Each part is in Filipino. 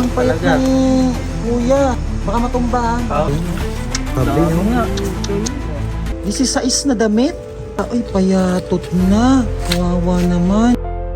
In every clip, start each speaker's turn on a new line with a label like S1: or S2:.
S1: Sobrang payat
S2: Talaga.
S1: ni kuya. Baka matumbahan. Sabi nyo nga. 16 na damit. Ay, payatot na. Kawawa naman.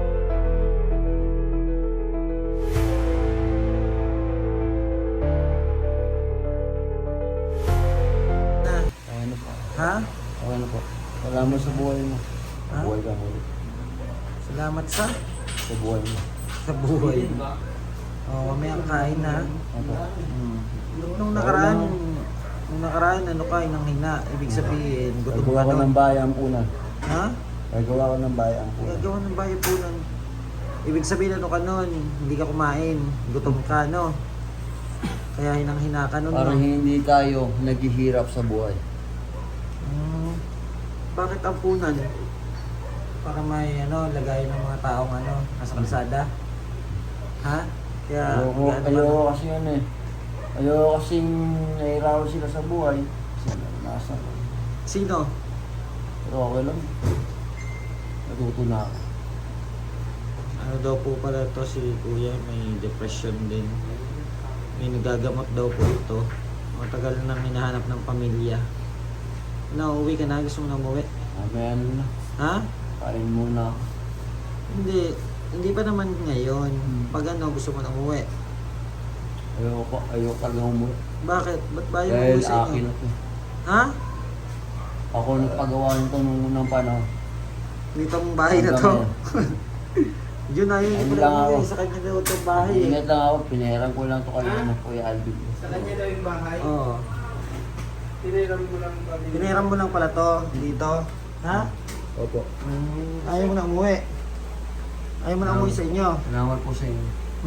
S2: Ano po?
S1: Ha?
S2: Ano po? Wala mo sa buhay mo.
S1: Ha?
S2: Buhay ka mo.
S1: Salamat sa
S2: Buhay mo.
S1: buhay. Oh, mamaya kain na.
S2: Ano?
S1: Nung nakaraan, ano ka, inanghina. Ibig sabihin, gutom ka
S2: Gagawa ko
S1: nun.
S2: ng bayang punan.
S1: Ha?
S2: Gagawa ko ng bayang punan.
S1: Gagawa ng bayo po nun. Ibig sabihin, ano ka nun, hindi ka kumain. Gutom ka, no? Kaya hinanghina ka nun,
S2: Parang
S1: no?
S2: hindi tayo naghihirap sa buhay.
S1: Bakit ampunan? Para may, lagay ng mga taong, nasa kalsada? Ha? Kaya,
S2: Ayoko kasi yun eh. Ayoko kasing nahirapan sila sa buhay. Kasi nasa.
S1: Sino?
S2: Pero okay lang. Natuto na ako.
S1: Ano daw po pala to si kuya, may depression din. May nagagamot daw po ito. Matagal nang hinahanap ng pamilya. Nauwi ka na? Gusto mo na umuwi?
S2: Mamaya na.
S1: Ha?
S2: Kain muna ako.
S1: Hindi pa naman ngayon. Pag gusto mo na umuwi.
S2: Ayoko talaga umuwi.
S1: Bakit? Ba't ba yung
S2: Dahil
S1: umuwi sa
S2: akin
S1: inyo?
S2: na to.
S1: Ha?
S2: Ako nagpagawa nito nung unang panahon.
S1: Dito ang bahay na to? Yun na yun.
S2: Ano
S1: Hindi
S2: lang
S1: pala
S2: ako?
S1: umuwi sa kanya daw itong bahay.
S2: Ingat lang ako, pinahiram ko lang to kayo ng Kuya Alvin.
S3: Sa kanya daw yung bahay.
S1: Oo.
S3: Tiniram mo lang ba?
S1: Piniram mo lang pala to dito. Ha?
S2: Opo.
S1: Ayaw mo na umuwi. Ayaw mo na umuwi sa inyo.
S2: Salamat po sa inyo.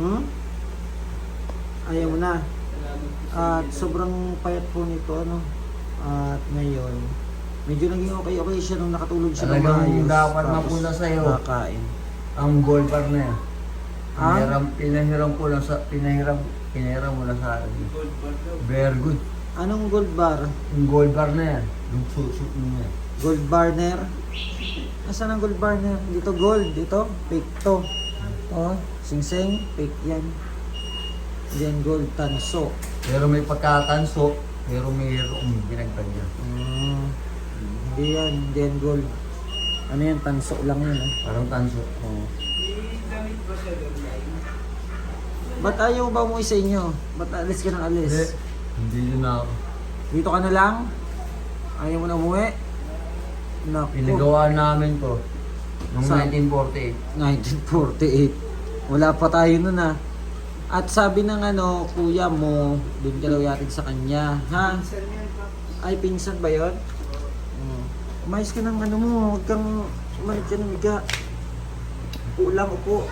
S1: Ayaw mo na. At sobrang payat po nito, At ngayon, medyo naging okay siya nung nakatulog siya ng
S2: Talagang
S1: maayos.
S2: dapat
S1: Tapos
S2: mapunta sa'yo.
S1: Nakain.
S2: Ang gold bar na yan.
S1: Ha?
S2: Pinahiram ko lang sa, pinahiram mo lang sa akin.
S3: Gold bar daw.
S2: Very good.
S1: Anong gold bar?
S2: Yung gold bar na yan. Yung suit mo yan.
S1: Gold barner? Nasaan ang gold barner? Dito gold, dito fake to. Oh, sing-sing, fake yan. Then gold tanso.
S2: Pero may pagkatanso, pero mayroong binagtag yan.
S1: Hindi yan, hindi yan gold. Ano yan, tanso lang yun.
S2: Parang tanso.
S1: Oh.
S3: May damit ba siya doon?
S1: Ba't ayaw ba umuwi sa inyo? Ba't alis ka ng alis?
S2: Hindi yun na ako.
S1: Dito ka na lang? Ayaw mo na umuwi? Naku.
S2: Pinagawa namin to noong
S1: Sa-
S2: 1948.
S1: 1948. Wala pa tayo nun At sabi ng kuya mo, doon ka daw yatid sa kanya. Ha?
S3: Saan yan pa?
S1: Ay, pinsan ba yun? Umayos ka ng mo, huwag kang umalit ka ng higa. Ulang upo.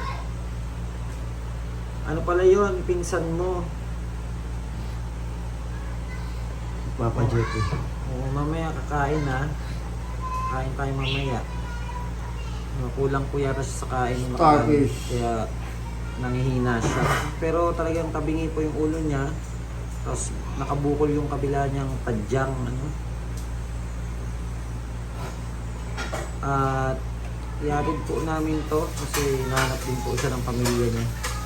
S1: Ano pala yun, pinsan mo?
S2: Papa Jeffy.
S1: Oo, mamaya kakain Kain tayo mamaya. Kulang po yata siya sa kain ng makain.
S2: Starfish.
S1: Kaya nangihina siya. Pero talagang tabingi po yung ulo niya. Tapos nakabukol yung kabila niyang tadyang. At iatid po namin to kasi nahanap din po siya ng pamilya niya.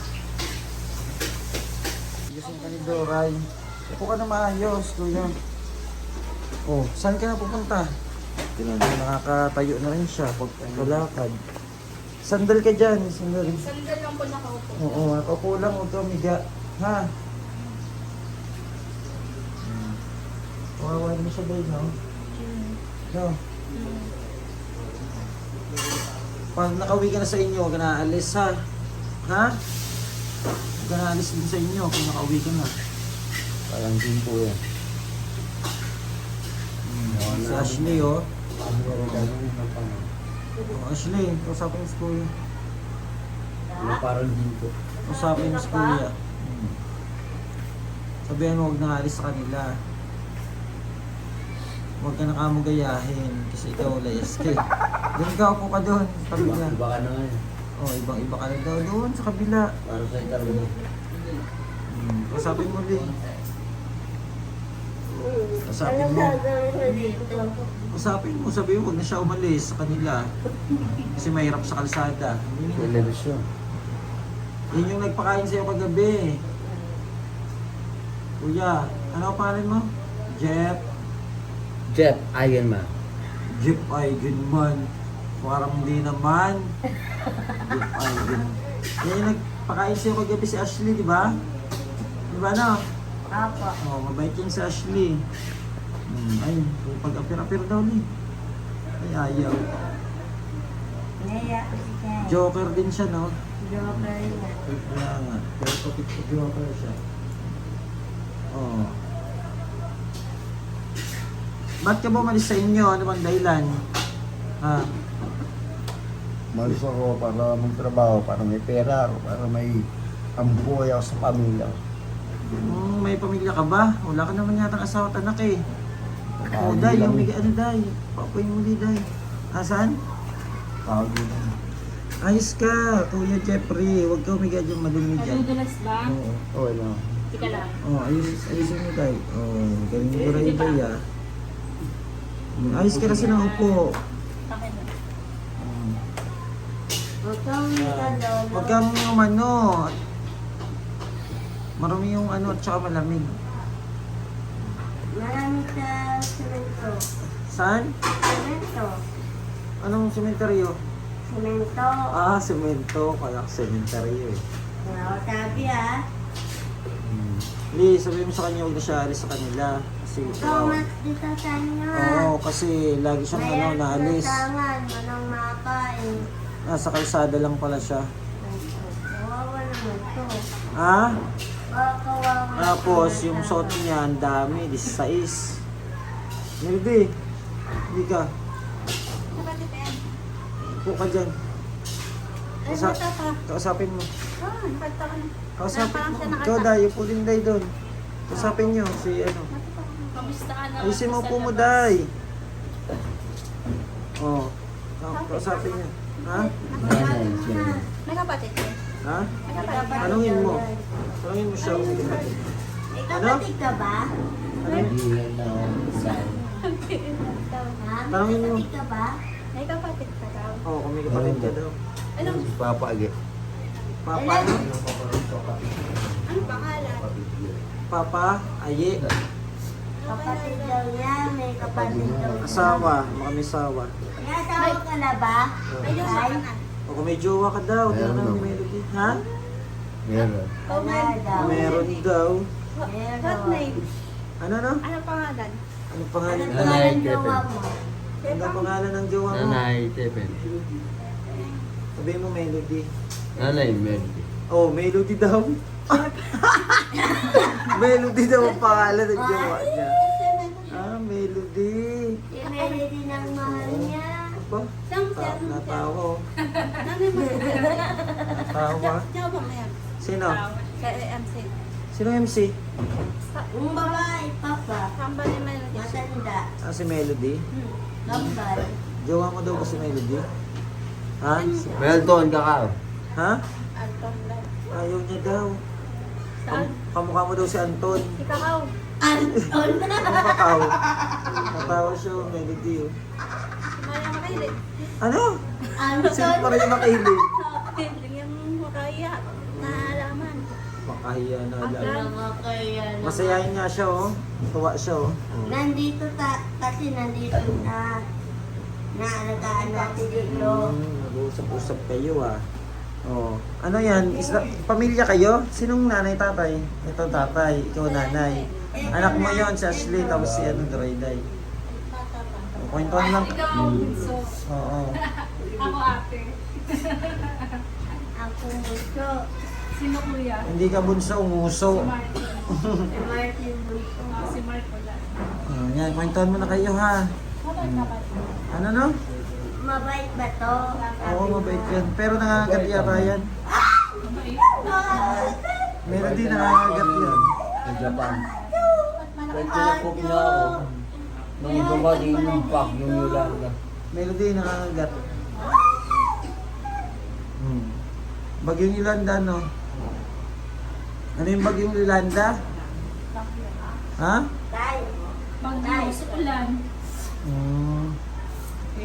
S1: Gising ka ni Doray. Upo ka na maayos, kuya. Oh, saan ka na pupunta? Nakakatayo na rin siya pag kalakad. Sandal ka dyan, sandal.
S4: Sandal lang po nakaupo.
S1: Oo, nakaupo lang, huwag ka miga. Ha? Kawawa mo siya ba no? No? Pag nakauwi ka na sa inyo, huwag ka na aalis ha? Ha? Huwag ka na aalis din sa inyo kung nakauwi ka na.
S2: Parang din po yan.
S1: Si Ashley oh.
S2: Pero gagawin ng panahon.
S1: Oh, Ashley, usapin mo si kuya.
S2: Parang din po.
S1: Usapin mo si kuya. Sabihan mo huwag na alis sa kanila. Huwag ka na kamugayahin kasi ikaw layas ka. Doon ka, upo ka doon sa kabila.
S2: Iba ka na ngayon.
S1: Oh, ibang-iba ka na daw doon sa kabila.
S2: Para sa itarong.
S1: Usapin mo din. Usapin mo. Usapin mo, sabihin mo, huwag na siya umalis sa kanila. Kasi mahirap sa kalsada.
S2: Television.
S1: Yun yung nagpakain sa'yo kagabi. Kuya, ano ang pangalan mo? Jeff.
S2: Jeff Eigenman.
S1: Jeff Eigenman. Parang hindi naman. Jeff Eigenman. Yan yung nagpakain sa'yo kagabi si Ashley, di ba? Di ba no?
S4: Apo.
S1: Oh, mabait yung si Ashley. Ay, pag-apir-apir daw ni. Ay, ayaw.
S4: Naya ko si Ken.
S1: Joker din siya, no?
S4: Joker niya.
S1: Kaya nga. Pero kapit ko Joker siya. Oh. Ba't ka bumalis sa inyo? Ano bang dahilan? Ha?
S2: Malis ako para magtrabaho, para may pera ako, para may ambuhay ako sa pamilya ko.
S1: May pamilya ka ba? Wala ka naman yata asawa at anak eh. Oh,
S2: Bago
S1: Day,
S2: lang
S1: yung
S2: eh.
S1: ano, Day? Papoy mo di, Day. Asan?
S2: Bago lang.
S1: Ayos ka, Kuya Jeffrey. Huwag ka umigay dyan malumi dyan.
S5: Nadudulas ba?
S2: Oo, okay lang.
S5: Tika lang.
S1: Oh, ayusin mo, Day. Oh, galing mo rin, Day, ah. Ayos ka kasi ng upo.
S5: Akin na.
S4: Huwag kang lolo.
S1: Huwag kang umano. Marami yung ano at saka malamig.
S4: Maraming sa semento.
S1: Saan?
S4: Semento.
S1: Anong sementeryo?
S4: Semento.
S1: Ah, semento. Kaya sementeryo eh.
S4: Wow, sabi ah.
S1: Hindi, sabihin mo sa kanya huwag na siya alis sa kanila. Kasi,
S4: Ikaw mas dito sa inyo.
S1: Oo, kasi lagi siyang ano, naalis.
S4: Tangan, manang makain.
S1: Nasa kalsada lang pala siya.
S4: Kawawa naman to.
S1: Ha?
S4: Kawawa.
S1: Tapos, yung suot niya, ang dami, 16. Milby, hindi ka.
S5: Kapatid yan.
S1: Upo ka dyan.
S5: Ay, bata ka.
S1: Kausapin mo.
S5: Ah, bata ka na.
S1: Kausapin
S5: Parang
S1: mo.
S5: siya nakata-
S1: Ikaw, Day, upo din, Day, doon. Kausapin niyo, si ano.
S5: Kamusta ka na?
S1: Ayusin mo
S5: Kamusta
S1: po mo,
S5: na ba?
S1: Day. Oh. Kausapin niyo. Ha?
S2: Nanay, siya.
S5: May kapatid ka?
S1: Ha?
S5: May kapatid ka?
S1: Tanungin mo. Tanungin mo siya.
S4: Ikaw
S1: Ano?
S4: kapatid ka ba?
S2: Hindi na ako.
S4: Ha? May
S1: Tanungin mo.
S4: kapatid ka ba?
S5: May kapatid ka daw.
S1: Oo, kung may kapatid ka daw.
S5: Anong,
S2: Si Papa Agi.
S1: Papa, ano?
S5: anong pangalan?
S1: Papa, aye.
S4: Kapatid daw niya, may kapatid daw niya.
S1: Asawa, baka may asawa.
S4: May asawa ka na ba?
S5: May jowa ka na.
S1: O kung may jowa ka daw, di
S2: Meron
S1: na
S2: naman.
S1: may melody. Ha?
S2: Meron.
S4: Wala daw.
S1: Meron daw.
S5: What name?
S1: Ano no?
S5: Anong pangalan?
S1: Anong pangalan?
S4: Anong
S2: Nanay,
S4: pangalan jowa mo?
S1: Ano pangalan ng jowa mo?
S2: Nanay, Tepen.
S1: Sabihin mo melody.
S2: Nanay, Melody.
S1: Oh, melody daw. Melody daw ang pangalan ng jowa niya. Ah, melody.
S4: Si Melody ng mahal niya.
S1: Ba? Natawa. oh.
S5: Nanay mo.
S1: Natawa.
S5: Siya ba ngayon?
S1: Sino?
S5: Sa MC.
S1: Sino MC?
S4: Yung babae, papa.
S5: Kamba ni Melody.
S4: Matanda.
S1: Ah, si Melody.
S4: Kambal.
S1: Jowa mo daw ba si Melody? Ha?
S2: Melton, kakao.
S1: Ha?
S5: Anton daw.
S1: Ayaw niya daw.
S5: Saan?
S1: Kamukha mo daw si Anton.
S5: Si Kakao.
S4: Anton.
S1: Kamukhaw. Natawa siya, oh, Melody. Oh.
S5: Si Maria Makilit.
S1: Ano? Sino
S4: Anton.
S1: pa rin makilig?
S5: Yung makaya. Naalaman.
S1: Makahiya na lang.
S4: Nakakaya naman.
S1: Masayahin nga siya, oh. Tuwa siya, oh.
S4: Nandito kasi nandito na naalagaan natin dito.
S1: Nag-uusap-usap kayo, ah. Oh. Ano yan? Pamilya kayo? Sinong nanay, tatay? Ito tatay, ikaw nanay. Anak mo yon si Ashley, tapos si ano, Dorayday.
S5: Bata pa.
S1: Kwentuhan lang.
S5: Ikaw ang bunso.
S1: Oo.
S5: Ako ate.
S4: Ako gusto.
S5: Sino kuya?
S1: Hindi ka bunso, umuso.
S5: Martin.
S4: Si Martin gusto.
S5: Si Mark wala.
S1: Yan, kwentuhan mo na kayo, ha?
S5: Mabait ka ba?
S1: Ano, no?
S4: Mabait ba to?
S1: Oo, mabait yan. Pero nangangagat yata yan. Meron din nangangagat yan.
S2: Sa Japan.
S5: Ba't malaki?
S2: Pagkakop niya ako. Nung dumating yung pack, yung Yolanda.
S1: Melody, nangangagat. Bagyong Yolanda, no? Ano yung bagyong Yolanda? Ha?
S4: Tay.
S5: Bagyo sa ulan.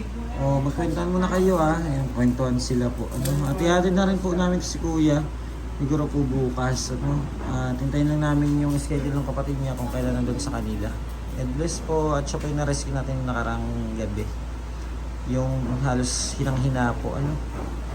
S1: Magkwentuhan muna kayo, ha? Ayan, kwentuhan sila po. Ati-hati na rin po namin si Kuya. Siguro po bukas, ano, tintayin lang namin yung schedule ng kapatid niya kung kailan nandun sa kanila. God bless po, at siya po yung na-rescue natin nakarang gabi. Yung halos hinang-hina po, ano,